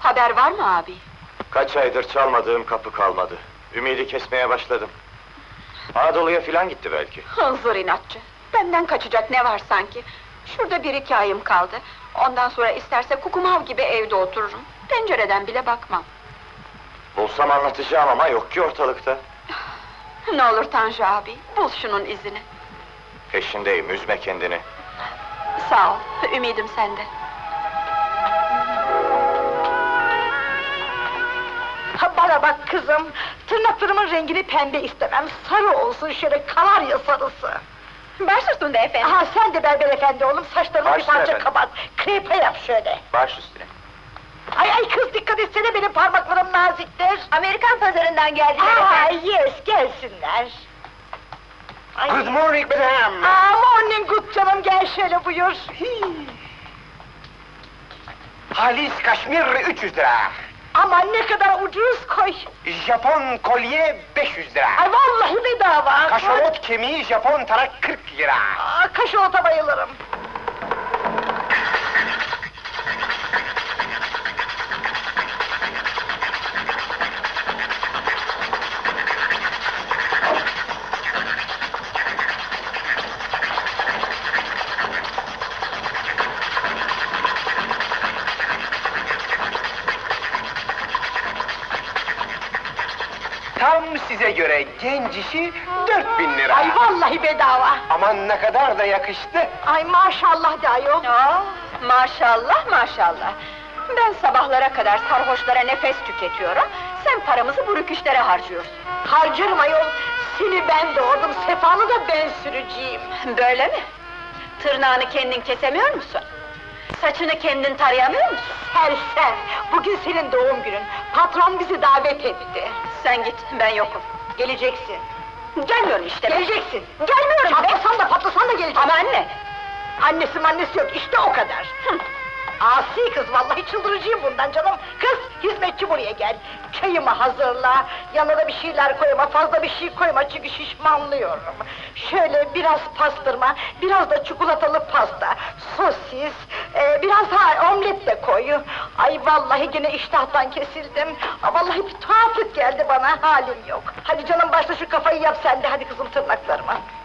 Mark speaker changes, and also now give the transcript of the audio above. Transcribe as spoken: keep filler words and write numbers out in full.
Speaker 1: Haber var mı abi?
Speaker 2: Kaç aydır çalmadığım kapı kalmadı. Ümidi kesmeye başladım. Anadolu'ya filan gitti belki.
Speaker 1: Hınzır inatçı! Benden kaçacak ne var sanki? Şurada bir iki ayım kaldı. Ondan sonra isterse kukumav gibi evde otururum. Pencereden bile bakmam.
Speaker 2: Bulsam anlatacağım ama yok ki ortalıkta.
Speaker 1: Ne olur Tanju abi, bul şunun izini.
Speaker 2: Peşindeyim, üzme kendini.
Speaker 1: Sağ ol, ümidim sende.
Speaker 3: Ha, bana bak kızım, tırnaklarımın rengini pembe istemem, sarı olsun şöyle kanarya sarısı.
Speaker 1: Baş üstünde efendim.
Speaker 3: Ha, sen de berber efendi oğlum, saçlarını
Speaker 2: Baş
Speaker 3: bir parça
Speaker 2: üstüne
Speaker 3: kapat, krepe yap şöyle.
Speaker 2: Baş üstüne.
Speaker 3: Ay ay kız dikkat etsene, benim parmaklarım naziktir.
Speaker 1: Amerikan pazarından geldiler
Speaker 3: Aa, yes, gelsinler. Ay.
Speaker 2: Good morning madam.
Speaker 3: Aa, morning good canım, gel şöyle buyur.
Speaker 2: Halis kaşmir üç yüz lira.
Speaker 3: Aman ne kadar ucuz koy.
Speaker 2: Japon kolye beş yüz lira.
Speaker 3: Ay vallahi bedava.
Speaker 2: Kaşalot kemiği Japon tarak kırk lira.
Speaker 3: Aa, kaşalota bayılırım.
Speaker 2: Tam size göre genç işi dört bin lira.
Speaker 3: Ay vallahi bedava.
Speaker 2: Aman ne kadar da yakıştı.
Speaker 3: Ay maşallah de ayol.
Speaker 1: Aa, maşallah maşallah! Ben sabahlara kadar sarhoşlara nefes tüketiyorum, sen paramızı bu rüküşlere harcıyorsun.
Speaker 3: Harcarım ayol. Seni ben doğurdum, sefanı da ben süreceğim.
Speaker 1: Böyle mi? Tırnağını kendin kesemiyor musun? Saçını kendin tarayamıyor musun?
Speaker 3: Sersem, bugün senin doğum günün. Patron bizi davet etti.
Speaker 1: Sen git, ben yokum.
Speaker 3: Geleceksin.
Speaker 1: Gelmiyorum işte ben.
Speaker 3: Geleceksin.
Speaker 1: Gelmiyorum be!
Speaker 3: Patlasan da patlasan da geleceksin.
Speaker 1: Ama anne!
Speaker 3: Annesi mannesi yok, işte o kadar.
Speaker 1: Hı.
Speaker 3: Asi kız, vallahi çıldıracağım bundan canım. Kız, hizmetçi buraya gel. Çayımı hazırla, yanına da bir şeyler koyma, fazla bir şey koyma çünkü şişmanlıyorum. Şöyle biraz pastırma, biraz da çikolatalı pasta, sosis, e, biraz ha omlet de koy. Ay vallahi gene iştahtan kesildim. Aa, vallahi bir tuhaflık geldi bana, halim yok. Hadi canım başla şu kafayı yap sen de, hadi kızım tırnaklarıma.